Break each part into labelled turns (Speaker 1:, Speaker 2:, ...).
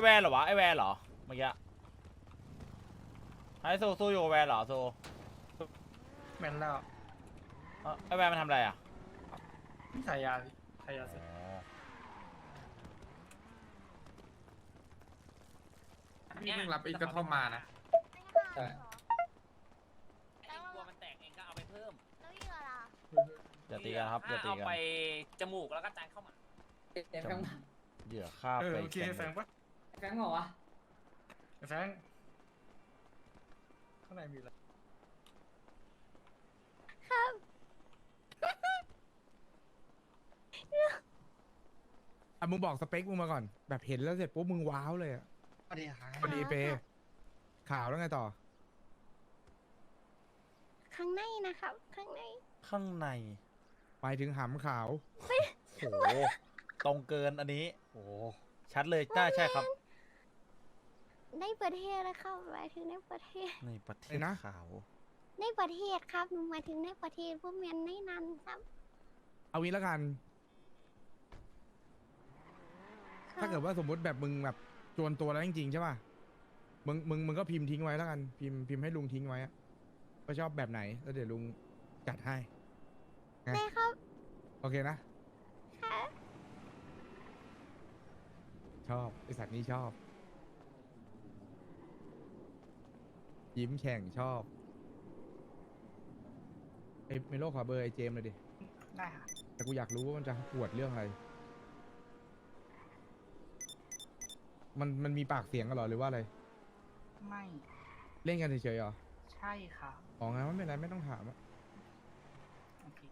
Speaker 1: แวนเหรอวะไอแวนเหรอเมื่อกี้ไอโซสู้อยู่กับแวนเหรอโซ
Speaker 2: แม่นแล้ว
Speaker 1: ไอแวนมันทำอะไรอ่ะ
Speaker 2: ขายยาขายยาเสร็จนี่เพิ่งรับอีกกระท่อมมานะใช่
Speaker 3: กลัวมันแตกเองก็เอาไปเพิ่ม
Speaker 4: แล้วเหยื่อล่ะ
Speaker 1: อย่าตีกันครับอย่าตี
Speaker 3: เอา
Speaker 1: กัน
Speaker 3: ไปจมูกแล้วก็จานเข้ามา
Speaker 1: เหยื่อฆ่าไป
Speaker 2: โอเคแฟงปะ
Speaker 5: แฟงเหรอวะ
Speaker 2: แฟงข้างในมีอะไร
Speaker 4: ครับ
Speaker 6: อ่ะมึงบอกสเปคมึงมาก่อน แบบเห็นแล้วเสร็จปุ๊บมึงว้าวเลยอ่ะ
Speaker 2: สวัสดีครับ
Speaker 6: พอดีเปข่าวแล้วไงต่อ
Speaker 4: ข้างในนะครับ ข้างใน
Speaker 1: ข้างใน
Speaker 6: ไปถึงหำขาว
Speaker 1: โหตรงเกินอันนี้โหชัดเลยน่าใช่ครับ
Speaker 4: ในประเทศนะครับหมายถึงในประเทศ
Speaker 1: ในประเทศ
Speaker 6: อะไรนะ
Speaker 1: ขาว
Speaker 4: ในประเทศครับหนูหมายถึงในประเทศพวกเมียนในนั้นครับ
Speaker 6: เอางี้แล้วกัน ถ้าเกิดว่าสมมติแบบมึงแบบจวนตัวแล้วจริงๆใช่ป่ะ มึงก็พิมพ์ทิ้งไว้แล้วกัน พิมพ์ให้ลุงทิ้งไว้อะว่าชอบแบบไหน แล้วเดี๋ยวลุงจัดให้ ไง
Speaker 4: ได้ครับ
Speaker 6: โอเคนะ
Speaker 4: ค่ะ
Speaker 6: ชอบไอสัตว์นี้ชอบ ยิ้มแฉ่งชอบไอเมโลขอเบอร์ไอเจมส์เลยดิ
Speaker 2: ได้ค่ะ
Speaker 6: แต่กูอยากรู้ว่ามันจะปวดเรื่องอะไร มันมีปากเสียงกันเหรอหรือว่าอะไร
Speaker 2: ไม่
Speaker 6: เล่นกันเฉยๆเหรอ
Speaker 2: ใช่ค่ะ
Speaker 6: อ๋องั้นไม่เป็นไรไม่ต้องถามอะ
Speaker 2: โอเค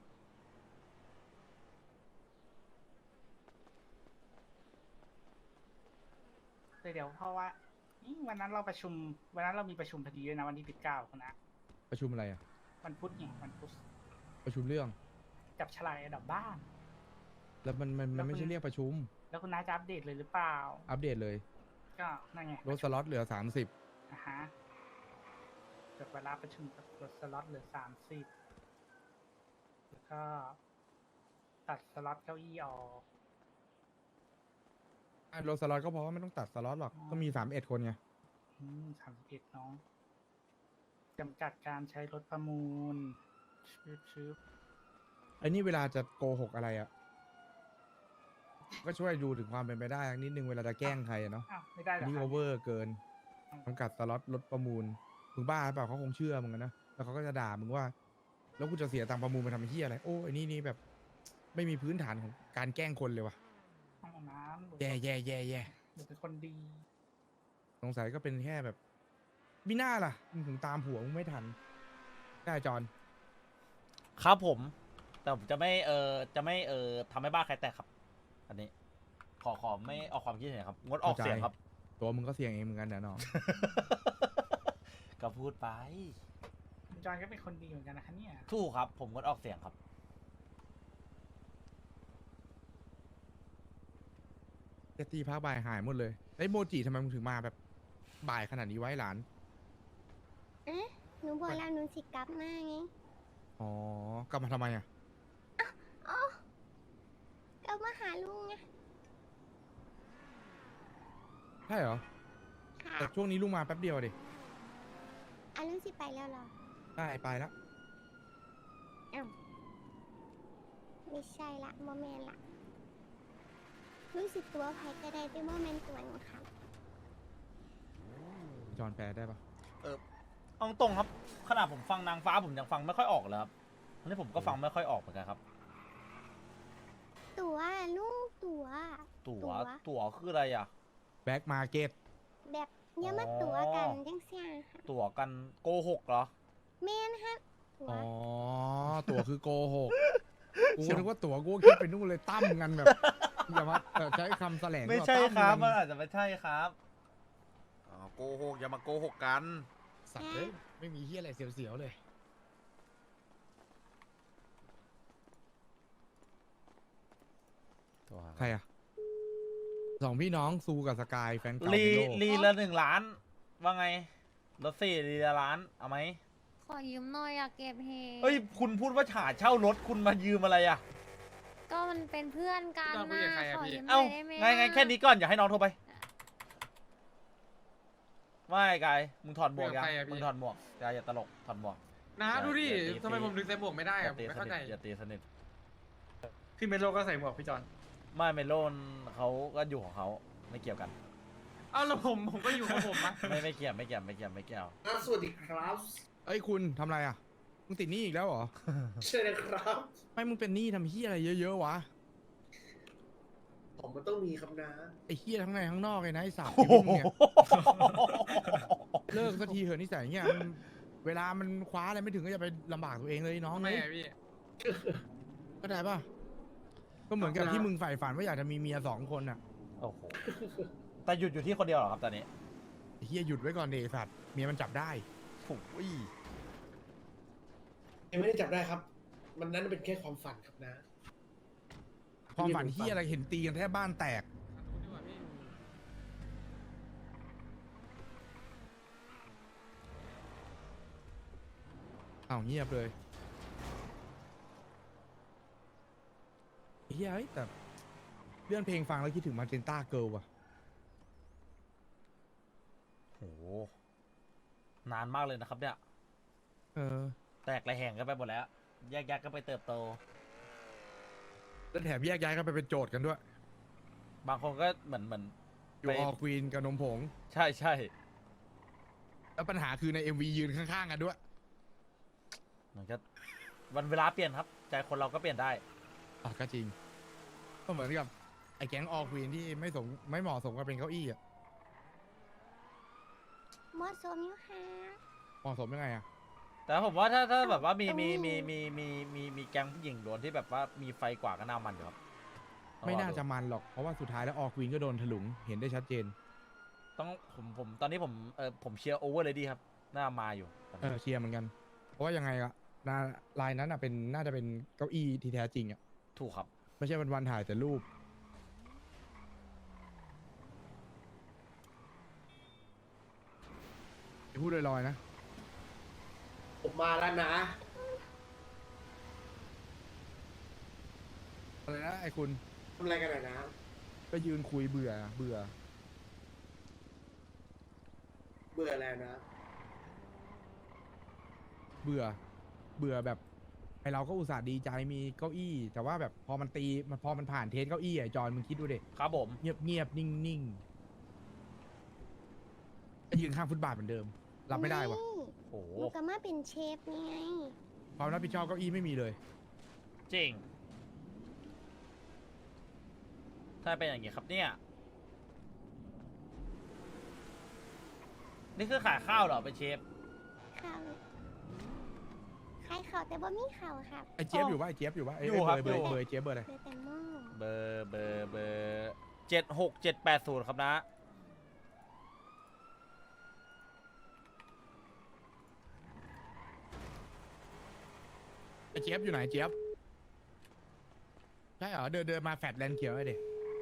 Speaker 2: เดี๋ยวเพราะว่าวันนั้นเราประชุมวันนั้นเรามีประชุมพอดีด้วยนะวันที่19คุณนะ
Speaker 6: ประชุมอะไรอะ
Speaker 2: วันพุธเนี่ยวันพุธ
Speaker 6: ประชุมเรื่อง
Speaker 2: จับฉลากอันดับบ้าน
Speaker 6: แล้วมันไม่ใช่เรียกประชุม
Speaker 2: แล้วคุณน้าจะอัปเดตเลยหรือเปล่า
Speaker 6: อัปเดตเลย
Speaker 2: ก็นั่นไง
Speaker 6: ลดสล็อตเหลือ
Speaker 2: อ่ะฮะจดเวลาประชุมกับลดสล็อตเหลือ30แล้วก็ตัดสล็อตเก้าอี้ออก
Speaker 6: 30ลดสล็อตก็เพราะว่าไม่ต้องตัดสล็อตหรอก ก็มี31คนไง
Speaker 2: 31น้องจำกัดการใช้รถประมูลชืบ
Speaker 6: ไอ้นี่เวลาจะโกหกอะไรอะก็ช่วยดูถึงความเป็นไปได้นิดนึงเวลาจะแกล้งใครอะเนาะ
Speaker 2: อ้าวไม่ได้เหรอ
Speaker 6: นี่
Speaker 2: ค
Speaker 6: โอ
Speaker 2: รับ
Speaker 6: เวอร์เกินจำกัดสล็อตลดประมูล มึงบ้าหรือเปล่าเขาคงเชื่อมึงอะนะ แล้วเขาก็จะด่ามึงว่า แล้วกูจะเสียตังค์ประมูลไปทำไอ้เหี้ยอะไร โอ้ไอ้นี่แบบ ไม่มีพื้นฐานของการแกล้งคนเลยว่ะ
Speaker 2: ห้องน้ำ
Speaker 6: แย่
Speaker 2: หนูเป็นคนดี
Speaker 6: สงสัยก็เป็นแค่แบบมิน่าล่ะมึงถึงตามผัวมึงไม่ทัน ได้จอน
Speaker 1: ครับผม แต่ผมจะไม่ทำให้บ้านใครแตกครับ อันนี้ ขอไม่ออกความคิดเห็นครับงดออกเสียงครับ
Speaker 6: ตัวมึงก็เสี่ยงเองเหมือนกันนะน้อง
Speaker 1: ก็พูดไป
Speaker 2: คุณจอนก็เป็นคนดีเหมือนกันนะคะเนี่ย
Speaker 1: ถูกครับ ผมงดออกเสียงครับ
Speaker 6: เจตีภาคบ่ายหายหมดเลยไอ้ยโมจิทำไมมึงถึงมาแบบบ่ายขนาดนี้ไว้หลาน
Speaker 4: เอ๊ะหนูบอกแล้วหนูสิกลับมาไง
Speaker 6: อ๋อ กลับมาทำไมอ่ะ
Speaker 4: อ๋อกลับมาหาลุงไง
Speaker 6: ใช่เหรอ
Speaker 4: ค่ะ
Speaker 6: แต่ช่วงนี้ลุงมาแป๊บเดียวดิ
Speaker 4: อ่ะลุงสิไปแล้วเหรอ
Speaker 6: ได้ไปแล้ว
Speaker 4: อ้าวไม่ใช่ละโมเมนละลุงสิตัวไผก็ได้แต่โมเมนตัวหนูครับ
Speaker 6: จอนแปลได้ปะ
Speaker 1: เอาตรงครับ ขนาดผมฟังนางฟ้าผมยังฟังไม่ค่อยออกเลยครับอันนี้ผมก็ฟังไม่ค่อยออกเหมือนกันครับ
Speaker 4: ตัวลุงตัว
Speaker 1: ตั๋วคืออะไรอ่ะ
Speaker 6: แบ็กมาเก็ต
Speaker 4: แบบอย่ามาตัวกันจังเสียค่ะ
Speaker 1: ตั๋วกันโกหกเหรอ
Speaker 4: แมนฮะตัว
Speaker 6: อ๋อ ตั๋วคือโกหก กูนึกว่าตั๋วกูก็คิดไปนู่นเลยตั้มกันแบบ อย่ามาใช้คำแสลง
Speaker 1: ไม่ใช่
Speaker 6: ตั้
Speaker 1: ครับ
Speaker 6: กั
Speaker 1: มันอาจจะไม่ใช่ครับโกหกอย่ามาโกหกกัน
Speaker 6: สัตว์เลยไม่มีเฮียอะไรเสียวๆเลย ใครอ่ะสองพี่น้องซูกับสกายแฟนเก่า
Speaker 1: ลี
Speaker 6: ในโลก
Speaker 1: ลีละ1 ล้าน ว่าไงรถ4ลีละล้านเอาไหม
Speaker 7: ขอยืมหน่อยอยากเก็บเฮ
Speaker 1: เฮ้ยคุณพูดว่าหาเช่ารถคุณมายืมอะไรอ่ะ
Speaker 7: ก็มันเป็นเพื่อนกัน
Speaker 2: พี่ต้องคุย
Speaker 7: นะ
Speaker 2: กับใครอะ
Speaker 7: ขอ
Speaker 2: พี่
Speaker 7: ยืมหน่
Speaker 1: เอ้า
Speaker 7: อยได้ไหม
Speaker 1: ไงแค่นี้ก่อนอย่าให้น้องโทรไปไม่กายมึงถอดหมวกยัง
Speaker 5: เรื่องใครอะพี่
Speaker 1: มึงถอดหมวกกายอย่าตลกถอดหมวก
Speaker 5: นะดูดิ
Speaker 1: อย่าตี
Speaker 5: ทำไมผมถึงใส่หมวกไม่ได้
Speaker 1: อ
Speaker 5: อะ
Speaker 1: ย่า
Speaker 5: ผม
Speaker 1: ตี
Speaker 5: ไม่
Speaker 1: ส
Speaker 5: เข้า
Speaker 1: นิ
Speaker 5: ใจ
Speaker 1: ทอย่าตีสนิท
Speaker 5: พี่เมโลก็ใส่หมวกพี่จอน
Speaker 1: ไม่เมโลนเขาก็อยู่ของเขาไม่เกี่ยวกัน
Speaker 5: เอ้าแล้วผมก็อยู่ของผมอะ
Speaker 1: ไม่เกี่ยวไม่เกี่ยวไม่เกี่ยวไม่เกี่ยว
Speaker 8: สวัสดีครับ
Speaker 6: เอ้ยคุณทำอะไรอ่ะมึงติดหนี้อีกแล้วเหรอ
Speaker 8: ใช่นะครับ
Speaker 6: ไม่มึงเป็นหนี้ทำเฮียอะไรเยอะๆวะ
Speaker 8: ผมมันต้องมีครับนะ
Speaker 6: ไอ้เฮียทั้งในทั้งนอกเลยนะไอ้สาม
Speaker 1: โอ้
Speaker 6: ชี
Speaker 1: โห
Speaker 6: วิตมึงเนี่ยเลิกสักทีเถอะนิสัยเงี้ยมันเวลามันคว้าอะไรไม่ถึงก็จะไปลำบากตัวเองเลยน้อง
Speaker 5: ทำไม
Speaker 6: เลย
Speaker 5: อะพี่
Speaker 6: เข้าใจป่ะก็เหมือนกับที่มึงใฝ่ฝันว่าอยากจะมีเมีย2 คนอ่ะ
Speaker 1: โอ้โหแต่หยุดอยู่ที่คนเดียวเหรอครับตอนนี้
Speaker 6: ไอ้เฮียหยุดไว้ก่อนเดไอ้สัตว์เมียมันจับได้
Speaker 1: โอ้ย
Speaker 8: ยังไม่ได้จับได้ครับ มันนั้นเป็นแค่ความฝันครับนะ
Speaker 6: ความฝันเฮียอะไรเห็นตีกันแทบบ้านแตก
Speaker 5: ดีกว่าพี่
Speaker 6: อ้าวเงียบเลยไอ้เฮียเฮ้ยแต่เลื่อนเพลงฟังแล้วคิดถึงมาเจนต้าเกิลว่ะ
Speaker 1: โหนานมากเลยนะครับเนี่ย
Speaker 6: เออ
Speaker 1: แตกระแหงกันไปหมดแล้ว แยกกันไปเติบโต
Speaker 6: แล้วแถมแยกย้ายกันไปเป็นโจทย์กันด้วย
Speaker 1: บางคนก็เหมือน
Speaker 6: อยู่ออควีนกับนมผง
Speaker 1: ใช่
Speaker 6: แล้วปัญหาคือใน MV ยืนข้างๆกันด้วย
Speaker 1: มันก็วันเวลาเปลี่ยนครับ ใจคนเราก็เปลี่ยนได้
Speaker 6: อ่ะก็จริง ก็เหมือนกับไอ้แก๊งออควีนที่ไม่เหมาะสมกับเป็นเก้าอี้อ่ะ
Speaker 4: เหมาะสมอยู่ค่ะ
Speaker 6: เหมาะสมยังไงอ่ะ
Speaker 1: แต่ผมว่าถ้าแบบว่ามี
Speaker 4: อืม
Speaker 1: มีแก๊งผู้หญิงล้วนที่แบบว่ามีไฟกว่าก็น่ามันอยู่ครับต้อง
Speaker 6: ไม่
Speaker 1: รอ
Speaker 6: น่า
Speaker 1: ดู
Speaker 6: จะมันหรอก เพราะว่าสุดท้ายแล้วออควีนก็โดนถลุงเห็นได้ชัดเจน
Speaker 1: ต้องผมตอนนี้ผมเชียร์โอเวอร์เลยดีครับน่ามาอยู่ตอน
Speaker 6: เอ
Speaker 1: นี้
Speaker 6: อเชียร์เหมือนกัน เพราะว่ายังไงอะลายนั้นอ่ะน่าจะเป็นเก้าอี้ที่แท้จริงอ่ะ
Speaker 1: ถูกครับ
Speaker 6: ไม่ใช่วันๆถ่ายแต่รูปพูดลอยๆนะ
Speaker 8: ผมมาแล้วนะ
Speaker 6: อะไรนะไอ้คุณ
Speaker 8: ทำอะไรกันหน่อยนะ
Speaker 6: ก็ยืนคุยเบื่อ
Speaker 8: เบื่ออะไรนะ
Speaker 6: เบื่อแบบไอเราก็อุตส่าห์ดีใจมีเก้าอี้ แต่ว่าแบบพอมันผ่านเทสเก้าอี้ไอจอนมึงคิดดูดิ
Speaker 1: ครับผม
Speaker 6: เงียบนิ่งๆยืนข้างฟุตบาทเหมือนเดิม รับไม่ได้วะ
Speaker 4: นี่
Speaker 1: โอ้โห
Speaker 4: หนูก็มาเป็นเชฟนี่ไง
Speaker 6: ความรับผิดชอบเก้าอี้ไม่มีเลย
Speaker 1: จริงถ้าเป็นอย่างงี้ครับเนี่ยนี่คือขายข้าวเหรอเป็นเชฟ
Speaker 4: ข่าวใครข่าวแต่ว่ามีข่าวครับ
Speaker 6: ไอเจี๊ยบอยู่ปะไอเจี๊ยบอยู่ปะไอ
Speaker 1: อยู่ครับ
Speaker 6: เบอร์
Speaker 1: อยู่
Speaker 6: เบอร์ไอ้เจี๊ยบเบอร์อะไร
Speaker 4: คือแต่หม้อ
Speaker 1: เบอร์76-780ครับนะ
Speaker 6: ไอเจี๊ยบอยู่ไหนเจี๊ยบใช่เหรอเดินมาแฟดแลนด์เขียวไอเด็ก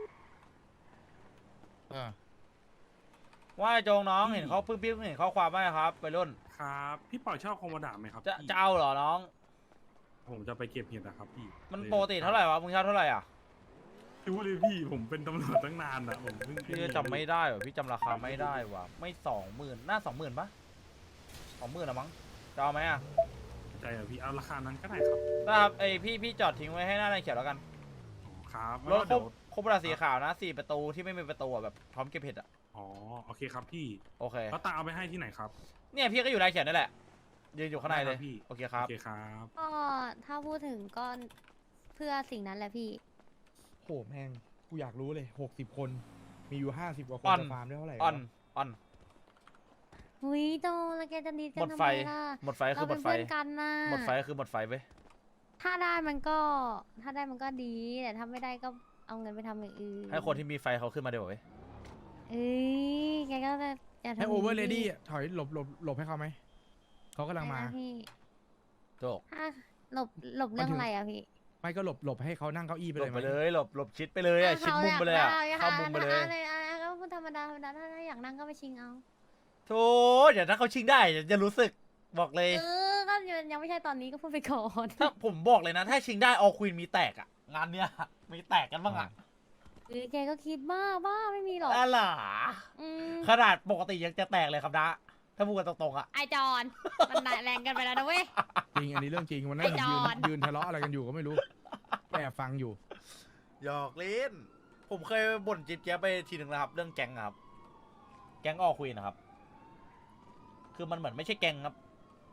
Speaker 1: ว่าไอ้โจงน้องเห็นเขาเพิ่งเห็นข้อความไหมครับไปรุ่น
Speaker 9: ครับ พี่ปล่อยชอบคอมโบดาไหมครับ
Speaker 1: จะ
Speaker 9: พี่
Speaker 1: จะเอาเหรอน้อง
Speaker 9: ผมจะไปเก็บเห็ดนะครับพี่
Speaker 1: มันปกติเท่าไหร่วะมึงเช่าเท่าไหร่อ่ะ
Speaker 9: พี่พูดเลยพี่ผมเป็นตำรวจตั้งนานอะผมเพิ่ง
Speaker 1: พี่ก็จำไม่ได้ว่ะพี่จำราคาไม่ได้ว่ะไม่20,000น่า20,000ปะ20,000ละมั้งจะเอาไหมอ่ะ
Speaker 9: ใจอะพี่เอาราคานั้นก็ได้ครับ
Speaker 1: นะครับไอพี่จอดทิ้งไว้ให้หน้าในเขียวแล้วกัน
Speaker 9: อ๋อครับ
Speaker 1: รถ
Speaker 9: แล้ว
Speaker 1: ครบราสีขาวนะ4ประตูที่ไม่มีประตูอะแบบพร้อมเก็บเห็ดอ่ะ
Speaker 9: อ๋อโอเคครับพี่
Speaker 1: โอเค
Speaker 9: แล้วตาเอาไปให้ที่ไหนครับ
Speaker 1: เนี่ยพี่ก็อยู่ในเขียวนั่นแหละยืนอยู่ข้างในเลย
Speaker 9: ได้ครับพี่
Speaker 1: โอเคครับ
Speaker 9: โอเคครับ
Speaker 7: ก็ถ้าพูดถึงก็เพื่อสิ่งนั้นแหละพี่
Speaker 6: โหแม่งกูอยากรู้เลย60 คนมีอยู่50กว่าค
Speaker 1: อ่
Speaker 6: น
Speaker 1: อน
Speaker 6: จะฟาร์มได้เท่าไหร่
Speaker 1: อ่อน
Speaker 6: วะ
Speaker 1: อ่อน
Speaker 7: หุยโตแล้วแกจะดีกั
Speaker 1: หม
Speaker 7: น
Speaker 1: ด
Speaker 7: ทำ
Speaker 1: ไฟ
Speaker 7: ไมล่ะ
Speaker 1: หมดไฟคื
Speaker 7: เรา
Speaker 1: อหม
Speaker 7: เป็
Speaker 1: ด
Speaker 7: น
Speaker 1: ไฟ
Speaker 7: เพื่อนกันนะ
Speaker 1: หมดไฟคือหมดไฟเว้ย
Speaker 7: ถ้าได้มันก็ดี แต่ถ้าไม่ได้ก็เอาเงินไปทำอย่างอื่น
Speaker 1: ให้คนที่มีไฟเขาขึ้นมาเดี๋ยวเว้ย
Speaker 7: เอ้ยแกก็จะอย่าทำ
Speaker 6: ให้โอเวอร์เลดี้ถอยหลบให้เขาไหมเขากำลังมา
Speaker 7: อะไรนะพี่
Speaker 1: โจก
Speaker 7: ถ้าหลบเรื่องอะไรอะพี่
Speaker 6: ไม่ก็หลบให้เขานั่งเก้าอี้ไป
Speaker 1: หล
Speaker 6: เล
Speaker 1: บ
Speaker 6: ย
Speaker 1: ไป
Speaker 6: ไหม
Speaker 1: เลยหลบชิดไปเลยอะชิดมุมไปเลยอะเข้ามุมไปเลย
Speaker 7: ก็พูดธรรมดาถ้าอยากนั่งก็ไปชิงเอา
Speaker 1: โธ่เดี๋ยวถ้าเขาชิงได้เดี๋ยวจะรู้สึกบอกเลย
Speaker 7: ก็ยังไม่ใช่ตอนนี้ก็พูดไปก่อน
Speaker 1: ถ้าผมบอกเลยนะ ถ้าชิงได้ออควีนมีแตกอะงานเนี้ยมีแตกกันบ้างอะ
Speaker 7: แกก็คิดบ้าไม่มีหรอก
Speaker 1: อะไร
Speaker 7: อืม
Speaker 1: ขนาดปกติยังจะแตกเลยครับนะ ถ้าพูดกันตรงๆอะ
Speaker 7: ไอจอน มันแรงกันไปแล้วนะเว้ย
Speaker 6: จริงอันนี้เรื่องจริงวันนั้น
Speaker 7: ไอ้
Speaker 6: เห็น
Speaker 7: จอน
Speaker 6: ยืนทะเลาะอะไรกันอยู่ก็ไม่รู้แอบฟังอยู่
Speaker 1: หยอกเล่น ผมเคยบ่นจิ๊บแจ๊บไปทีหนึ่งนะครับ เรื่องแก๊งอะครับ แก๊งออคุยนะครับ คือมันเหมือนไม่ใช่แก๊งครับ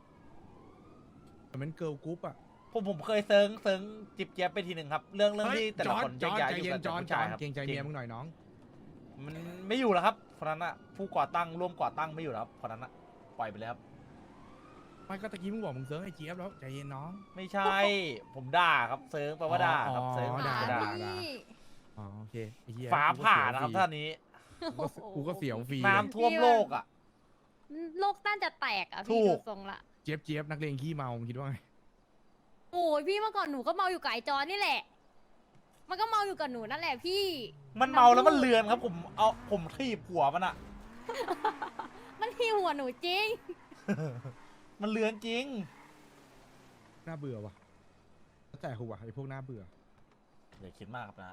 Speaker 6: เหมือนเกิร์ลกรุ๊ปอะ
Speaker 1: ผมเคยเซิร์งจิ๊บแจ๊บไปทีหนึ่งครับ เรื่องที่แต่ละคน
Speaker 6: จอน
Speaker 1: แยกย้าย
Speaker 6: ใจ
Speaker 1: อยู่
Speaker 6: เย็
Speaker 1: กัน น
Speaker 6: จอน
Speaker 1: ผู้ชายครับ
Speaker 6: เกรงใจเมียมึงหน่อยน้อง
Speaker 1: มันไม่อยู่แล้วครับคนนั้นอะผู้ก่อตั้งร่วมก่อตั้งไม่อยู่แล้วครับคนนั้นอะปล่อยไปแล้วครับ
Speaker 6: ไม่ก็ตะกี้มึงบอกมึงเซิร์ฟไอ้เจี๊ยบแล้วใจเย็นน้อง
Speaker 1: ไม่ใช่ ผมด่าครับเซิร์งแปลว่าด่าครับ
Speaker 6: อ๋อ
Speaker 1: เซิร์ง
Speaker 6: ด่า
Speaker 1: ด่า
Speaker 6: ด่า อ๋อโอเคไอ้เหี้ย
Speaker 1: ฟ้าผ่านะครับท่านนี้
Speaker 6: กูก็เสียวฟรี
Speaker 1: น้ำท่วมโลกอะ
Speaker 7: โลกต้านจะแตกอ่ะ
Speaker 1: ถู
Speaker 7: พี่
Speaker 1: ก
Speaker 7: ดูทรงละ
Speaker 6: เจี๊ยบนักเลงขี้เมามึงคิดว่าไง
Speaker 7: โอ้ยพี่เมื่อก่อนหนูก็เมาอยู่กับไอจอนนี่แหละ มันก็เมาอยู่กับหนูนั่นแหละพี่
Speaker 1: มันเมาแล้วมันเลือนครับ ผมทีบหัวมันอะ
Speaker 7: มันที่หัวหนูจริง
Speaker 1: มันเลือนจริง
Speaker 6: น่าเบื่อว่ะแล้วแต่กูว่ะไอ้พวกน่าเบื่อ
Speaker 1: อย่าคิดมากครับนะ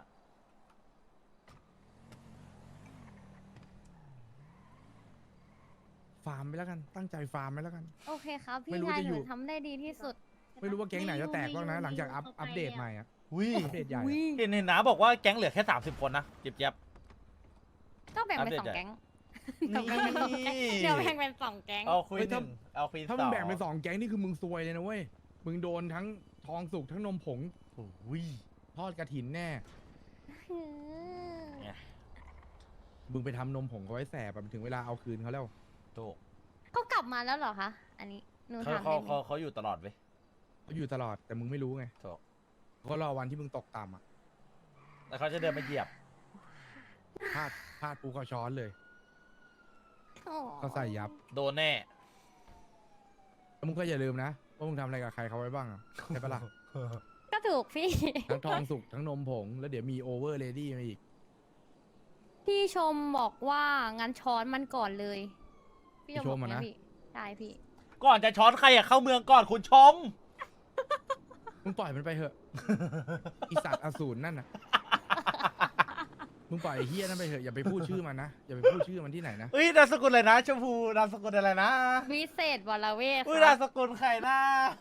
Speaker 6: ฟาร์มไปแล้วกันตั้งใจฟาร์มไปแล้วกัน
Speaker 7: โอเคครับ
Speaker 6: ไม่
Speaker 7: พี่
Speaker 6: รู้
Speaker 7: ชาย
Speaker 6: จะ
Speaker 7: ห
Speaker 6: อยู่
Speaker 7: นูทำได้ดีที่สุด
Speaker 6: ไม่รู้ว่าแก๊งไหนจะแตกบ้างนะหลังจากอัปเดตใหม่อะ
Speaker 1: วิ
Speaker 6: อัปเดตใหญ่อะ
Speaker 1: เห็นนะบอกว่าแก๊งเหลือแค่30 คนนะเจ็บ
Speaker 7: ก็แบ่งเป็น
Speaker 1: อัปเดต
Speaker 7: สองแก๊ง
Speaker 1: ๆ
Speaker 7: เดี๋ยวแบ่งเป็นสองแก๊งเดี๋ยวแบ่งเป็นสองแก๊ง
Speaker 1: เอาคุยหนึ่งเอาคุย
Speaker 6: ถ้า
Speaker 1: ส
Speaker 6: มึ
Speaker 1: อง
Speaker 6: แบ่งเป็น2แก๊งนี่คือมึงซวยเลยนะเว้ยมึงโดนทั้งทองสุกทั้งนมผง
Speaker 1: โอ้ย
Speaker 6: ทอดกระถินแน่
Speaker 7: อืม
Speaker 6: มึงไปทำนมผงเขาไว้แสบอะถึงเวลาเอาคืนเขาแล้ว
Speaker 1: ถูก
Speaker 7: เขากลับมาแล้วเหรอคะอันนี้หนู
Speaker 1: เขา
Speaker 7: ถาม
Speaker 1: เขา
Speaker 7: ได้ไหม
Speaker 1: เขาอยู่ตลอดเว้ย
Speaker 6: เขาอยู่ตลอดแต่มึงไม่รู้ไง
Speaker 1: ถูก
Speaker 6: เขารอวันที่มึงตกต่ำอะ
Speaker 1: แล้วเขาจะเดินมาเหยียบ
Speaker 6: พลาดปูเขาช้อนเลย
Speaker 7: อ๋อ
Speaker 6: เขาใส่ยับ
Speaker 1: โดนแน่
Speaker 6: แล้วมึงก็อย่าลืมนะว่ามึงทำอะไรกับใครเขาไว้บ้างอะใช่ปะล่ะ
Speaker 7: ก็ถูกพี่
Speaker 6: ทั้งทองสุกทั้งนมผงแล้วเดี๋ยวมีโอเวอร์เลดี้มาอีก
Speaker 7: พี่ชมบอกว่างั้นช้อนมันก่อนเลย พี่ชมบอก
Speaker 6: พี่ชมอะนะ
Speaker 7: พี่ใช่พี่
Speaker 1: ก่อนจะช้อนใครอะเข้าเมืองก่อนคุณชม
Speaker 6: มึงปล่อยมันไปเถอะ อีสัตว์อสูรนั่นน่ะ มึงปล่อยไอ้เฮียนั่นไปเถอะอย่าไปพูดชื่อมันนะอย่าไปพูดชื่อมันที่ไหนนะ
Speaker 1: เฮ้ยนามสกุลอะไรนะชมพูนามสกุลอะไรนะ
Speaker 7: วิเศษวรเวท
Speaker 1: อุ้ย
Speaker 7: ครั
Speaker 1: นา
Speaker 7: บ
Speaker 1: มสกุลใครนะ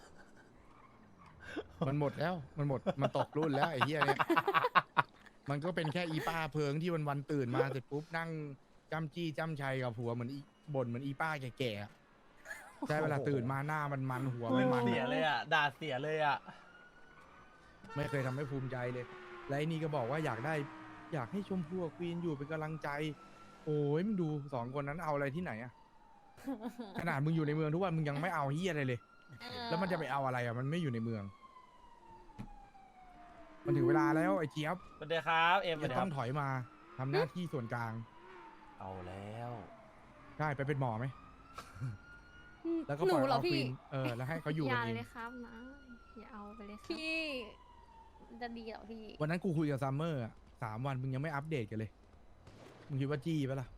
Speaker 6: มันหมดแล้วมันตกรุ่นแล้วไอ้เฮียเนี่ยมันก็เป็นแค่อีป้าเพิงที่วันตื่นมาเสร็จปุ๊บนั่งจ้ำจี้จ้ำชัยกับผัวเหมือนอีบ่นเหมือนอีป้าแก่ๆอะใช่เวลาตื่นมาหน้ามันหัวมัน
Speaker 1: เสียเลยอ่ะด่าเสียเลยอ่ะ
Speaker 6: ไม่เคยทำให้ภูมิใจเลย และไอ้นี่ก็บอกว่าอยากให้ชมพู่กับควีนอยู่เป็นกำลังใจ โอ้ยมึงดู2 คนนั้นเอาอะไรที่ไหนอะ ขนาดมึงอยู่ในเมืองทุกวันมึงยังไม่เอาเฮียอะไรเลย แล้วมันจะไปเอาอะไรอะมันไม่อยู่ในเมือง มันถึงเวลาแล้วไอ้เจี๊ยบ
Speaker 1: สวัสดีครับเอ็มสวัส
Speaker 6: จะ
Speaker 1: ดีค
Speaker 6: ต้
Speaker 1: รั
Speaker 6: อบ งถอยมาทำหน้าที่ส่วนกลาง
Speaker 1: เอาแล้ว
Speaker 6: ได้ไปเป็นหมอไหมแล้วก็
Speaker 7: ห
Speaker 6: ป
Speaker 7: นู
Speaker 6: ล่อย
Speaker 7: เหรอ
Speaker 6: เอาควี
Speaker 7: พี่
Speaker 6: นแล้วให้เขาอยู่
Speaker 10: อ
Speaker 6: กัน
Speaker 10: ย่า
Speaker 6: เอง
Speaker 10: เลยครับนะอย่าเอาไปเลยครับ
Speaker 7: พี่จะดีเหรอพี่
Speaker 6: วันนั้นกูคุยกับซัมเมอร์อะ3 วันมึงยังไม่อัปเดตกันเลยมึงคิดว่าจี้ปะล่ะ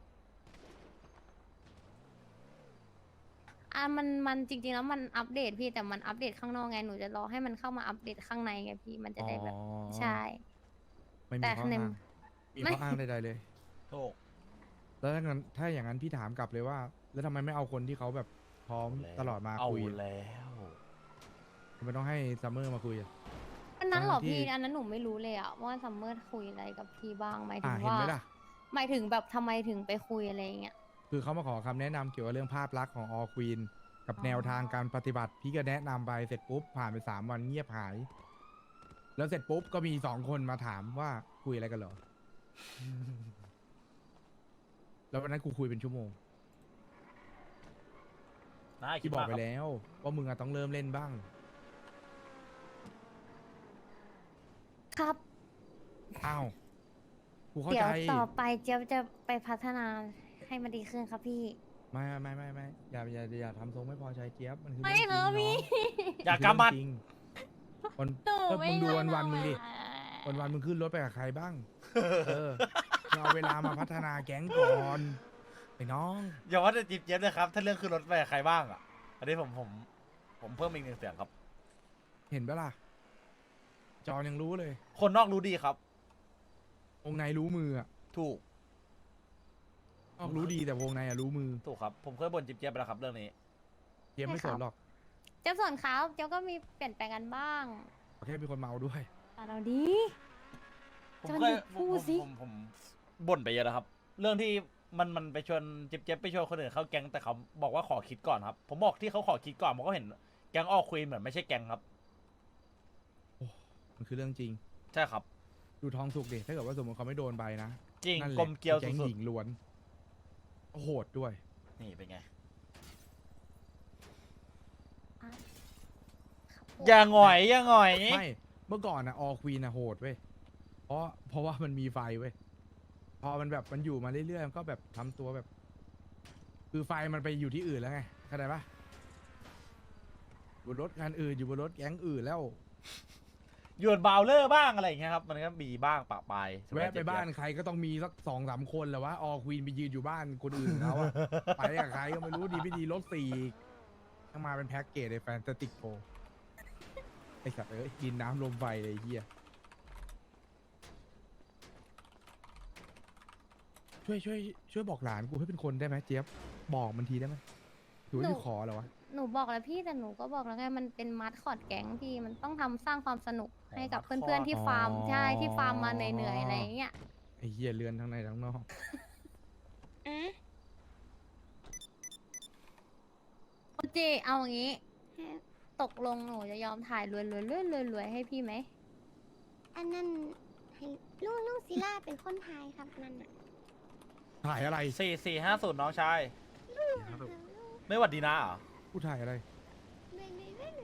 Speaker 7: มันจริงๆแล้วมันอัปเดตพี่แต่มันอัปเดตข้างนอกไงหนูจะรอให้มันเข้ามาอัปเดตข้างในไงพี่มันจะได้แบบ
Speaker 6: อ๋อ
Speaker 7: ใช่
Speaker 6: ไม่มี
Speaker 7: แต่
Speaker 6: ข้อ
Speaker 7: ใน
Speaker 6: อ้างมี
Speaker 7: ไม่
Speaker 6: ข้ออ้างใดๆเลย
Speaker 1: ถูก
Speaker 6: แล้วถ้าอย่างนั้นพี่ถามกลับเลยว่า แล้วทำไมไม่เอาคนที่เขาแบบพร้อมตลอดมา
Speaker 1: เอา
Speaker 6: คุย
Speaker 1: แล้ว
Speaker 6: ทำไมต้องให้ซัมเมอร์มาคุยอะ
Speaker 7: อันนั้นเหรอ
Speaker 6: ทั้งที่
Speaker 7: พี่อันนั้นหนูไม่รู้เลยอะว่าซัมเมอร์คุยอะไรกับพี่บ้างหมายถึง
Speaker 6: เห็น
Speaker 7: ว่า
Speaker 6: ไหมล่ะ
Speaker 7: หมายถึงแบบทำไมถึงไปคุยอะไรอย่างเงี้ย
Speaker 6: คือเขามาขอคำแนะนำเกี่ยวกับเรื่องภาพลักษณ์ของออควีนกับแนวทางการปฏิบัติ พี่ก็แนะนำไปเสร็จปุ๊บผ่านไป3 วันเงียบหาย แล้วเสร็จปุ๊บก็มี2 คนมาถามว่าคุยอะไรกันเหรอ แล้ววันนั้นกูคุยเป็นชั่วโมง
Speaker 1: น่าคิด
Speaker 6: ที่บอก
Speaker 1: มาก
Speaker 6: ไป
Speaker 1: ครับ
Speaker 6: แล้วว่ามึงอะต้องเริ่มเล่นบ้าง
Speaker 7: ครับ
Speaker 6: อ้าวกูเข้า
Speaker 7: เดี๋
Speaker 6: ใจ
Speaker 7: ยวต่อไปเจี๊ยบจะไปพัฒนาให้มันดีขึ้นครับพี่
Speaker 6: ไม่อย่าทำทรงไม่พอใจเจี๊ยบมันคือ
Speaker 7: ไม่
Speaker 6: เรื่องจริง
Speaker 7: ครับพี่
Speaker 6: น้อง
Speaker 1: อย่ากำมัด
Speaker 6: จริงวัน
Speaker 7: หนู
Speaker 6: ก็
Speaker 7: ไม่
Speaker 6: มึงดู
Speaker 7: รู้
Speaker 6: วันมึงดิ
Speaker 7: อะ
Speaker 6: วันมึงขึ้นรถไปกับใครบ้าง มึงเอาเวลามาพัฒนาแก๊งก่อนไอ้น้อง
Speaker 1: อย่าว่าแต่จิ๊บเย็บเลยครับ ถ้าเรื่องขึ้นรถไปกับใครบ้างอ่ะ อันนี้ผมเพิ่มอีก1 เสียงครับ
Speaker 6: เห็นปะล่ะ จอยังรู้เลย
Speaker 1: คนนอกรู้ดีครับ
Speaker 6: วงในรู้มืออะ
Speaker 1: ถูก
Speaker 6: นอกรู้ดีแต่วงในอะรู้มือ
Speaker 1: ถูกครับ ผมเคยบ่นจิ๊บเจี๊ยบไปแล้วครับเรื่องนี้
Speaker 6: เกมไม่สนหรอก
Speaker 7: เจ้าส่วนเขาเจ้าก็มีเปลี่ยนแปลงกันบ้าง
Speaker 6: แค่เป็นคนเมาด้วย
Speaker 7: อ่ะเราดี
Speaker 1: ผม
Speaker 7: จอน
Speaker 1: เค
Speaker 7: ดิ
Speaker 1: ย
Speaker 7: พูดสิ
Speaker 1: ผมบ่นไปเยอะแล้วครับ เรื่องที่มันไปชวนจิ๊บเจี๊ยบไปชวนคนอื่นเข้าแก๊งแต่เขาบอกว่าขอคิดก่อนครับ ผมบอกที่เขาขอคิดก่อนผมก็เห็นแก๊งออกคุยเหมือนไม่ใช่แก๊งครับ
Speaker 6: มันคือเรื่องจริง
Speaker 1: ใช่ครับ
Speaker 6: ดูทองสุกดิถ้าเกิดว่าสมมติเขาไม่โดนใบนะ
Speaker 1: จริง
Speaker 6: นั่นแหละ
Speaker 1: กลมเกลียว
Speaker 6: แก๊ง
Speaker 1: สุด
Speaker 6: หญิงล้วนโหดด้วย
Speaker 1: ๆนี่เป็นไง
Speaker 7: อ่ะครับ
Speaker 1: อย่าหงอยอย่าหงอย
Speaker 6: ไม่เมื่อก่อนอะออควีนอะโหดเว้ยเพราะว่ามันมีไฟเว้ยพอมันแบบมันอยู่มาเรื่อยๆมันก็แบบทำตัวแบบ คือไฟมันไปอยู่ที่อื่นแล้วไงเข้าใจปะอยู่บนรถงานอื่นอยู่บนรถแก๊งอื่นแล้ว
Speaker 1: หยวนบาวเลอร์บ้างอะไรอย่างเงี้ยครับ มันก็มีบ้างปะปายสำหรับ
Speaker 6: แวะไป
Speaker 1: เจี๊ย
Speaker 6: บ้านใครก็ต้องมีสัก2-3 คนแหละว่าออควีนไปยืนอยู่บ้านคนอื่นเขา อะ ไปกับใครก็ไม่รู้ดีไม่ดีรถ4อีกต้องมาเป็นแพ็กเกจในแฟนตาติกโฟไอ้สัตว์เอ้ยดินน้ำลมไฟเลยไอ้เฮียช่วยบอกหลานกูให้เป็นคนได้ไหมเจี๊ยบบอกมันทีได้ไหมถือว่าที่ขอเหรอวะ
Speaker 7: หนูบอกแล้วพี่แต่หนูก็บอกแล้วไงมันเป็นมัดคอดแก๊งพี่มันต้องทำสร้างความสนุกให้กับเพื่อนๆที่ฟาร์มใช่ที่ฟาร์มมาเหนื่อยๆอะไรอย่างเงี้ย
Speaker 6: ไอ้เฮียเรือนทั้งในทั้งนอก
Speaker 4: อ่ะ
Speaker 7: โอเจเอาอย่างงี้
Speaker 4: ฮะ
Speaker 7: ตกลงหนูจะยอมถ่ายรวยๆให้พี่ไหม
Speaker 4: อันนั้นให้ลุงศิลาเป็นคนทายครับนั่นน่ะ
Speaker 6: ถ่ายอะไร
Speaker 1: 4450น้องชาย
Speaker 4: ลุง
Speaker 1: ไม่หวัดดีนะเหรอ
Speaker 6: กูถ่ายอะไร
Speaker 4: รวย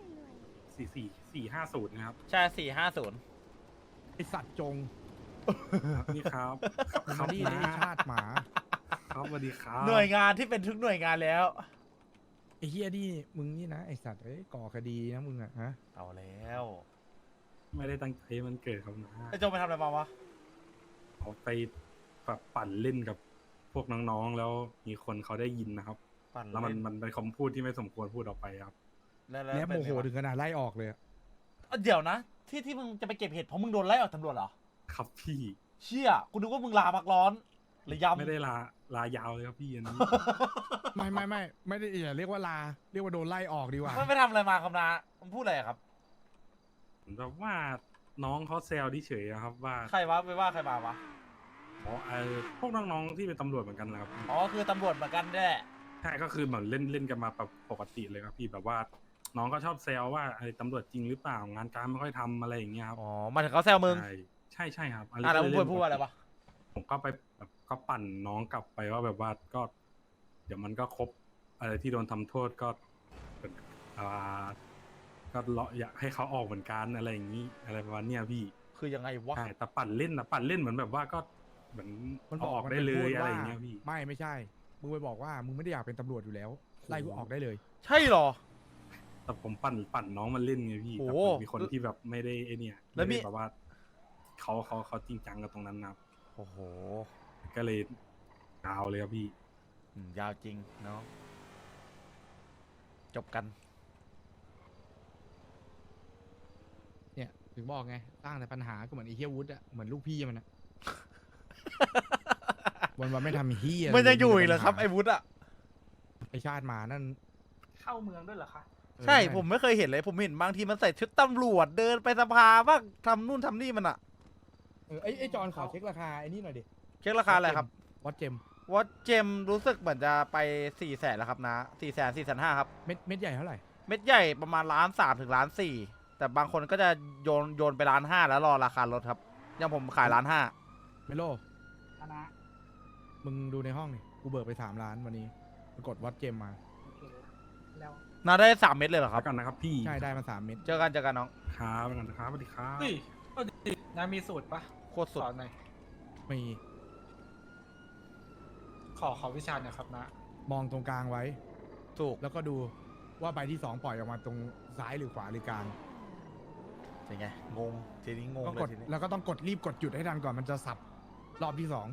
Speaker 9: 44450นะครับ
Speaker 1: ใช่ 450
Speaker 6: ไอสัตว์จง
Speaker 9: นี่ครับ
Speaker 6: คำนี้ไอชาติหมา
Speaker 9: ครับสวัสดีครับ
Speaker 1: หน่วยงานที่เป็นทุกหน่วยงานแล้ว
Speaker 6: ไอเฮียนี่มึงนี่นะไอสัตว์เอ้ยก่อคดีนะมึงอะฮะ
Speaker 1: เอาแล้ว
Speaker 9: ไม่ได้ตั้งใจให้มันเกิดครับนะ
Speaker 1: ไอ้โจงไปทำอะไรมาวะ
Speaker 9: เขาไปแบบปั่นเล่นกับพวกน้องๆ แล้วมีคนเขาได้ยินนะครับ
Speaker 1: ปั่น
Speaker 9: แล้วมัน
Speaker 1: เล่น
Speaker 9: มันเป็นคำพูดที่ไม่สมควรพูดออกไปครับ
Speaker 1: แล้ว
Speaker 6: แล้วโมโห
Speaker 1: เป็นไงวะ
Speaker 6: ถึงขนาดไล่ออกเลยอะ
Speaker 1: เดี๋ยวนะ ที่มึงจะไปเก็บเห็ดเพราะมึงโดนไล่ออกตำรวจเหรอ
Speaker 9: ครับพี่
Speaker 1: เชี่ยกูนึกว่ามึงลาพักร้อนหรือยำ
Speaker 9: ไม่ได้ลายาวเลยครับพี่อันนี้
Speaker 6: ไม่ได้อย่าเรียกว่าลาเรียกว่าโดนไล่ออกดีกว่า
Speaker 1: มันไปทำอะไรมาครับนะมันพูดอะไรอะครับ
Speaker 9: ผมแบบว่าน้องเขาแซวที่เฉยอะครับว่า
Speaker 1: ใครวะไปว่าใครมาวะ
Speaker 9: อ๋อพวกน้องๆที่เป็นตำรวจเหมือนกันนะครับ
Speaker 1: อ๋อคือตำรวจเหมือนกันแน่
Speaker 9: ใช่ก็คือเหมือนเล่นกันมาแบบปกติเลยครับพี่แบบว่า น้องก็ชอบแซวว่าไอ้ตำรวจจริงหรือเปล่างานการไม่ค่อยทำอะไรอย่างเงี้ยครับ
Speaker 1: อ๋อมาถึงเขาแซวมึง
Speaker 9: ใช่ครับ
Speaker 1: แล้วมึงพูดว่าอะไรวะ
Speaker 9: ผมก็ไปแบบก็ปั่นน้องกลับไปว่าแบบว่าก็ เดี๋ยวมันก็ครบอะไรที่โดนทำโทษก็เป็นก็อยากให้เขาออกเหมือนกันอะไรอย่างนี้อะไรประมาณเนี้ยพี่
Speaker 1: คือยังไงวะ
Speaker 9: ใช่แต่ปั่นเล่นเหมือนแบบว่าก็เหมือน
Speaker 6: มัน
Speaker 9: เอาออก
Speaker 6: มัน
Speaker 9: ได้เลย
Speaker 6: พู
Speaker 9: อะไร
Speaker 6: ว่า
Speaker 9: อย่างเงี้ยพี่
Speaker 6: ไม่ใช่ มึงไปบอกว่ามึงไม่ได้อยากเป็นตำรวจอยู่แล้วไล่กูออกได้เลย
Speaker 1: ใช่เหรอ
Speaker 9: แต่ผมปั่นน้องมันเล่นไงพี่
Speaker 1: โอ้
Speaker 9: แต่
Speaker 1: โห
Speaker 9: มันมีคนที่แบบไม่ได้ไอเนี่ย
Speaker 1: แล้วมี
Speaker 9: ไได้แบบว่าเขาจริงจังกับตรงนั้นนะครับ
Speaker 1: โอ้โห
Speaker 9: ก็เลยยาวเลยครับพี่
Speaker 1: ยาวจริงเนาะจบกัน
Speaker 6: เนี่ยถึงบอกไงสร้างแต่ปัญหาก็เหมือนไอ้เฮียวุฒิอะเหมือนลูกพี่มันอะ วันไม่ทำเฮีย
Speaker 1: มันยังอยู่อีกเหรอครับ
Speaker 6: ปัญ
Speaker 1: ไอ้วุฒิอะ
Speaker 6: ไอชาติหมานั่น
Speaker 2: เข้าเมืองด้วยเหรอคะ
Speaker 1: ใช่ผมไม่เคยเห็นเลย ผมเห็นบางทีมันใส่ชุดตำรวจเดินไปสภาบ้างทำนู่นทำนี่มันอะ
Speaker 6: ไอจอนขอเช็คราคาไอ้นี่หน่อยดิ
Speaker 1: เช็คราคาอะไรครับ
Speaker 6: วัดเจม
Speaker 1: วัดเจมรู้สึกเหมือนจะไป400,000แล้วครับนะ400,000 450,000ครับ
Speaker 6: เม็ดใหญ่เท่าไหร่
Speaker 1: เม็ดใหญ่ประมาณ1.3 ถึง1.4แต่บางคนก็จะโยนไป1.5แล้วรอราคาลดครับอย่างผมขาย1.5
Speaker 6: เมโล
Speaker 2: คณะ
Speaker 6: มึงดูในห้องนี่กูเบิกไป3 ล้านวันนี้ปรากฏวัดเจมมา
Speaker 2: โอเคแล้ว
Speaker 1: นาได้3 เม็ดเลยเหรอค
Speaker 9: แล้
Speaker 1: รับ
Speaker 9: วกันนะครับพี่
Speaker 6: ใช่ได้มา3 เม็ด
Speaker 1: เจอกันน้อง
Speaker 9: ครับแล้วกันนะครับสวัสดีครับ
Speaker 5: เฮ้ยก็ดีนะมีสูตรปะ
Speaker 1: โคตรสุด
Speaker 5: สอนหน่อย
Speaker 6: มี
Speaker 5: ขอวิชาหน่อยครับนะ
Speaker 6: มองตรงกลางไว้
Speaker 1: ถูก
Speaker 6: แล้วก็ดูว่าใบที่2ปล่อยออกมาตรงซ้ายหรือขวาหรือกลาง
Speaker 1: เป็นไงงงทีนี้งง
Speaker 6: ก็
Speaker 1: เล
Speaker 6: ก
Speaker 1: ย
Speaker 6: ด
Speaker 1: ทีนี้
Speaker 6: แล้วก็ต้องรีบกดหยุดให้ทันก่อนมันจะสับรอบที่2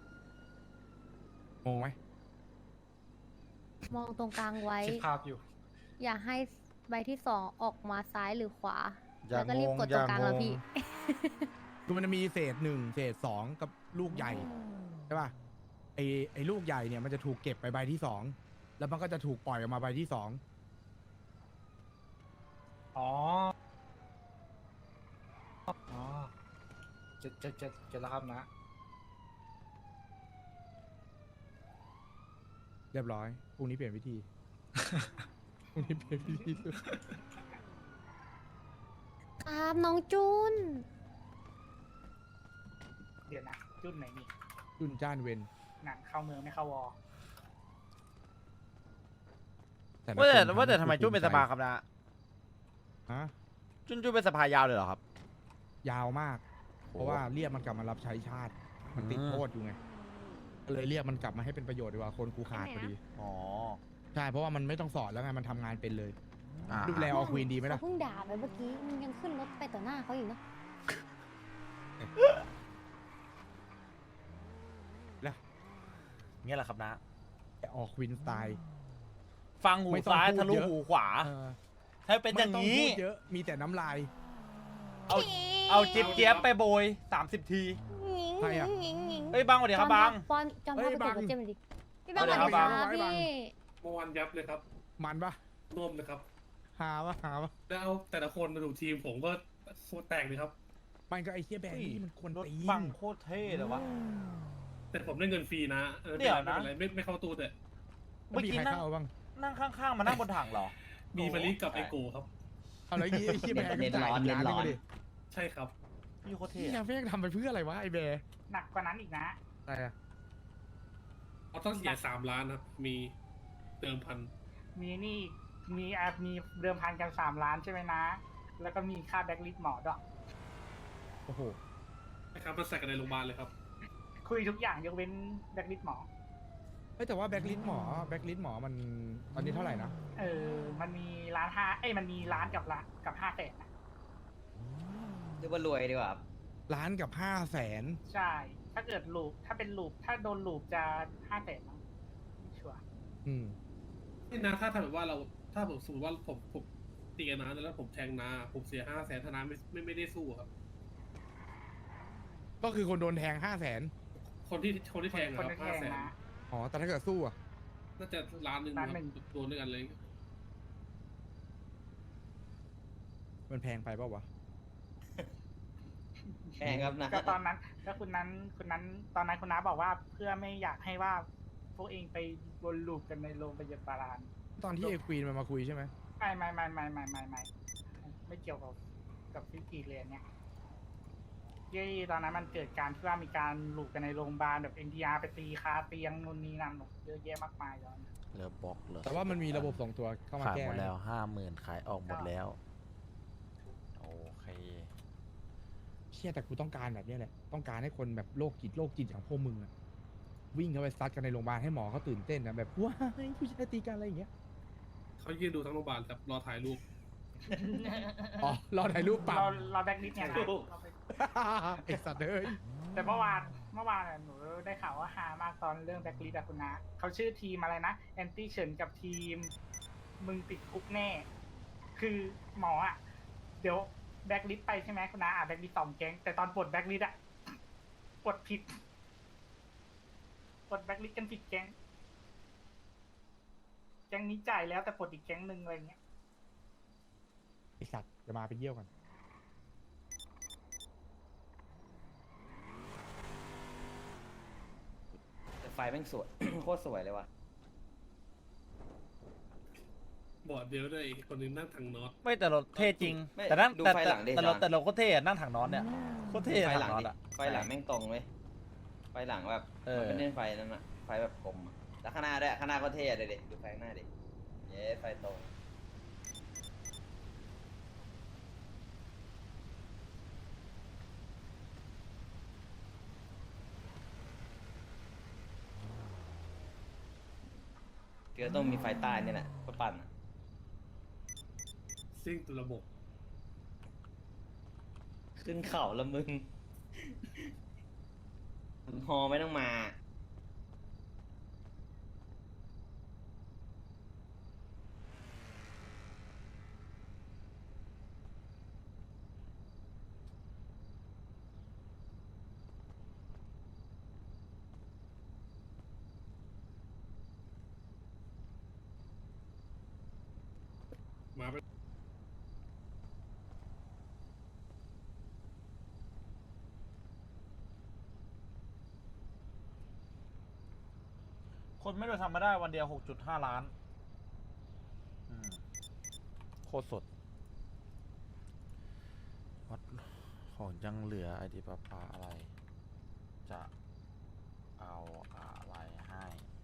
Speaker 6: งงไหม
Speaker 7: มองตรงกลางไว้
Speaker 5: คิดภาพอยู่
Speaker 7: อย่าให้ใบที่2ออกมาซ้ายหรือขวา
Speaker 1: อย่า
Speaker 7: แล้วก็รีบ
Speaker 1: งง
Speaker 7: กดตรงกลาง
Speaker 1: อย่างง
Speaker 7: แล้วพี่
Speaker 6: คือมันจะมีเศษหนึ่งเศษสองกับลูกใหญ่ใช่ป่ะไอ้ลูกใหญ่เนี่ยมันจะถูกเก็บไปใบที่สองแล้วมันก็จะถูกปล่อยออกมาใบที่สอง
Speaker 5: อ๋อ อ๋อเจ็ดแล้วครับนะ
Speaker 6: เรียบร้อยพรุ่งนี้เปลี่ยนวิธี พรุ่งนี้เปลี่ยนวิธี
Speaker 7: ครับน้องจุน
Speaker 2: เดี๋ยวนะ จุดไหนนี่
Speaker 6: จุนจ้านเวน
Speaker 2: หนังเข้าเมืองไม่เข้าวอ
Speaker 6: ละ
Speaker 1: ว่าแต่
Speaker 6: คน
Speaker 1: ว่าแต่ทำไม
Speaker 6: ให้
Speaker 1: จุ้นเป็นสภาครับนะ
Speaker 6: ฮะ
Speaker 1: จุ้นเป็นสภายาวเลยเหรอครับ
Speaker 6: ยาวมาก เพราะว่าเรียกมันกลับมารับใช้ชาติ มันติดโทษอยู่ไงก็เลยเรียกมันกลับมาให้เป็นประโยชน์ดีกว่าคนกูขาดพอดี
Speaker 1: อ๋อ
Speaker 6: ใช่เพราะว่ามันไม่ต้องสอนแล้วไงมันทำงานเป็นเลย
Speaker 1: อ่า
Speaker 6: ดูแลออควีนดีไหมล่ะ
Speaker 7: เขาเพิ่งด่าไปเมื่อกี้มึงยังขึ้นรถไปต่อหน้าเขาอีกเนาะ
Speaker 1: เงี้ยแหละครับนะ
Speaker 6: แต่ออกวินสไตล์
Speaker 1: ฟังหู
Speaker 6: ไม่ต้อง
Speaker 1: ซ้าย
Speaker 6: พูด
Speaker 1: ทะลุ
Speaker 6: เยอะ
Speaker 1: หูขวา
Speaker 6: เออ
Speaker 1: ถ้าเป็นอย่าง
Speaker 6: ไม่
Speaker 1: นี้
Speaker 6: ต้พูดเยอะมีแต่น้ำลาย
Speaker 1: เอาจิ๊บเจี๊ยบไปโบย 30 ที
Speaker 6: ใครอะ
Speaker 1: เฮ้ยบังสวัสดีครับบัง
Speaker 7: ปอนจอม
Speaker 6: เฮ้
Speaker 7: พ่อย ไป
Speaker 6: บั
Speaker 7: เก็บ
Speaker 6: ง
Speaker 7: รถเจมส์ดิพี่บัง
Speaker 1: ส
Speaker 7: ส
Speaker 1: วั
Speaker 7: วั
Speaker 1: ส
Speaker 7: ส
Speaker 1: ดี
Speaker 7: ดี
Speaker 1: ค
Speaker 7: ค
Speaker 1: รั
Speaker 7: รับ บ
Speaker 6: บัง
Speaker 7: พี่
Speaker 8: เมื่อวานยับเลยครับ
Speaker 6: มันปะ
Speaker 8: ร่วมเลยครับ
Speaker 6: หาวะ
Speaker 8: แล้วแต่ละคนมาดูทีมผมก็โคตรแตกเลยครับ
Speaker 6: มันก็ไอ้เหี้ยแบงค์นี่มันควร
Speaker 1: รถ
Speaker 6: ตี
Speaker 1: บังโคตรเท่เลยวะ
Speaker 8: แต่ผมได้เงินฟรีนะเออ
Speaker 1: เดี๋ยวนะ
Speaker 8: ไม่เป็นไรไม่เข้าตู้แต่
Speaker 1: เมื่อ
Speaker 6: มี
Speaker 1: กี้
Speaker 6: ใคร
Speaker 1: นั่ง
Speaker 6: เข้าบ้าง
Speaker 1: นั่งข้างๆ มานั่งบนถังเหรอ
Speaker 8: มีมาริกับไอโกครับ
Speaker 6: เอาแล้วไอ้เหี้ยแบงค์ก็จ่ายอีกล้านหนึงมาดิ
Speaker 8: ใช่ครับ
Speaker 1: พี่โคตรเท่
Speaker 6: นี่ยังแม่งทำไปเพื่ออะไรวะไอ้แบร์
Speaker 2: หนักกว่านั้นอีกนะ
Speaker 6: อะไรอะ
Speaker 8: เขาต้องเสีย3 ล้านครับ มีเดิมพัน
Speaker 2: มีนี่มีเดิมพันกัน3 ล้านใช่ไหมนะ แล้วก็มีค่าแบ็กลิสต์หมอด้วย
Speaker 6: โอ้โห
Speaker 8: นะครับมาใส่กันในโรงพยาบาลเลยครับ
Speaker 2: คุยทุกอย่างยกเว้นแบ็กลิสต์หมอ
Speaker 6: เฮ้ยแต่ว่าแบ็กลิสหมอมันตอนนี้เท่าไหร่นะ
Speaker 2: มันมี1.5 มันมีล้านกับ500,000นะ
Speaker 3: เรียกว่ารวยดีกว่า
Speaker 6: ล้านกับ500,000
Speaker 2: ใช่ ถ้าเกิดลูปถ้าเป็นลูปถ้าโดนลูปจะ500,000มั้งไม่ชัวร์
Speaker 6: อืม
Speaker 8: นี่นะถ้าแบบว่าถ้าผมสมมติว่าผมตีกันนะแล้วผมแทงนาผมเสีย500,000ถ้านาไม่ได้สู้ครับ
Speaker 6: ก็คือคนโดนแทง500,000
Speaker 8: คนที่แทง
Speaker 2: คน
Speaker 8: ครับ
Speaker 2: ที่แทงนะ
Speaker 6: อ๋อแต่ถ้าเกิดสู้อะ
Speaker 8: น่าจะล้านหนึ่ง
Speaker 2: ล้านหนึ่ง
Speaker 8: โดนด้วยกันเลย
Speaker 6: มันแพงไปเปล่าวะ
Speaker 3: แพงครับนะ
Speaker 2: ก็ตอนนั้นก็คุณนั้นตอนนั้นคุณน้าบอกว่าเพื่อไม่อยากให้ว่าพวกเองไปวนลูปกันในโรงพยาบาล
Speaker 6: ตอนที่ไอ้ควีนมันมาคุยใช่ไหม
Speaker 2: ไม่เกี่ยวกับพิธีเรียนเนี่ยยี่ตอนนั้นมันเกิดการที่ว่ามีการลูปกันในโรงพยาบาลแบบ NTR ไปตีคาเตียงนู่นนี่นั่นเยอะแยะมากมายตอนนั้น
Speaker 1: เหลือบล็อกเหลือ
Speaker 6: แต่ว่ามันมีระบบส่งตัวเข้ามา
Speaker 1: ขาย
Speaker 6: แก้
Speaker 1: หมดแล้ว 50,000 ขายออกหมดแล้ว โอเค
Speaker 6: เชี่ยแต่กูต้องการแบบเนี้ยแหละต้องการให้คนแบบโรคจิตอย่างพวกมึงอะวิ่งเข้าไปซัดกันในโรงพยาบาลให้หมอเขาตื่นเต้นนะแบบว้ายผู้ชายตีกันอะไรอย่างเงี้ย
Speaker 8: เขายืนดูทั้งโรงพยาบาลครับรอถ่ายรูป
Speaker 6: อ๋อรอถ่ายรูปเปล่า
Speaker 2: เราแบ็กลิสต์เนี่ยนะเราไป
Speaker 6: ไอ้สัตว์เอ้ย
Speaker 2: แต่เมื่อวานหนูได้ข่าวว่าฮามากตอนเรื่องแบ็กลิสต์อะคุณนะเขาชื่อทีมอะไรนะแอนตี้เฉินกับทีมมึงติดคุกแน่ คือหมออะเดี๋ยวแบ็กลิสต์ไปใช่ไหมคุณนะแบ็กลิสต์2 แก๊งแต่ตอนปลดแบ็กลิสต์อะปลดผิดปลดแบ็กลิสต์กันผิดแก๊งนี้จ่ายแล้วแต่ปลดอีกแก๊งหนึ่งอะไรเงี้ย
Speaker 6: ไอ้สัตว์จะมาไปเยี่ยวกัน
Speaker 3: แต่ไฟแม่งสวย โคตรสวยเลยว่ะ
Speaker 8: บอร์ดเดียวด้วยอีกคนนึงนั่งทางน็อต
Speaker 1: ไม่แต่รถเท่จริง
Speaker 3: ไม่
Speaker 1: แต่นั่ง
Speaker 3: ดู
Speaker 1: แต่
Speaker 3: ไฟหลังดิ
Speaker 1: แต่รถ
Speaker 3: จาน
Speaker 1: แต่รถโคตรเท่อะนั่งถังน็อตเนี่ยโคตรเท่
Speaker 3: ไฟ
Speaker 1: ถั
Speaker 3: หลั
Speaker 1: ง
Speaker 3: ง
Speaker 1: น็อต
Speaker 3: ดิ
Speaker 1: อะ
Speaker 3: ไฟหลังแม่งตรงเว้ยไฟหลังแบบมันเป็นเล่นไฟนั่นอะไฟแบบกลมอะแล้วข้างหน้าด้วยข้างหน้าก็เท่อะเด็ดดูไฟข้างหน้าดิเย้ไฟตรงเกือต้องมีไฟใต้เนี่ยแหละเพื่อปั่นอะ
Speaker 8: ซิ่งตัวระบบ
Speaker 3: ขึ้นเขาแล้วมึง ฮอไม่ต้องมา
Speaker 1: คนไม่ได้ทำมาได้วันเดียว 6.5 ล้านโคตรสดวัดของยังเหลือไอดีปะปาอะไร จะเอาอะไรให้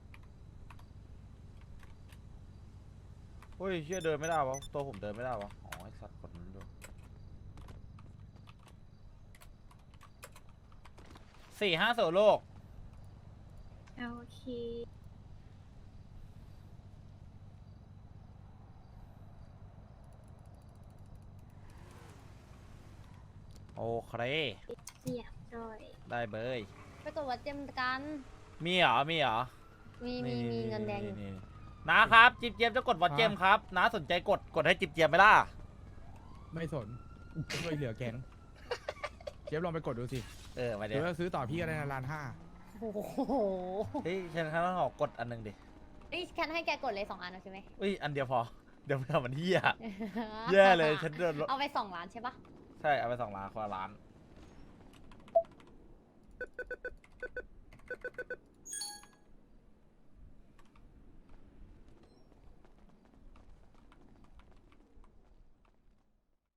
Speaker 1: เฮ้ยเชื่อเดินไม่ได้วะตัวผมเดินไม่ได้วะอ๋อไอสัตว์กดนั้นดู4-5 โซโลก
Speaker 10: โอเค
Speaker 1: โอเค
Speaker 10: เสียบด้วย
Speaker 1: ได้เบย
Speaker 7: ไปกดวัดเจมกัน
Speaker 1: มีเหรอ มีเหรอ
Speaker 7: มีเงินแดงอยู่
Speaker 1: นี่นะครับจิบเจียมจะกดวัดเจมครับน้าสนใจกดให้จิบเจียมไหมล่ะ
Speaker 6: ไม่สนช่วยเหลือแก๊งเจี๊ยบลองไปกดดูสิ
Speaker 1: ไป
Speaker 6: ห
Speaker 2: Dạ.
Speaker 1: เดี๋
Speaker 6: รื
Speaker 1: ยว
Speaker 6: อว่าซื้อต่อพี่ก็ได้นะ1.5 ล้าน
Speaker 7: โอ้โห
Speaker 1: เฮ้ยฉันข้างหอกกดอันหนึงดิ
Speaker 7: นี่แคนให้แกกดเลย2 อันเอาใช่ไหม
Speaker 1: อุ้ยอันเดียวพอเดี๋ยวมันเหี้ยแย่เลยฉันเดิน
Speaker 7: เอาไป2 ล้านใช่ปะ
Speaker 1: ใช่เอาไป2 ล้านคนละล้าน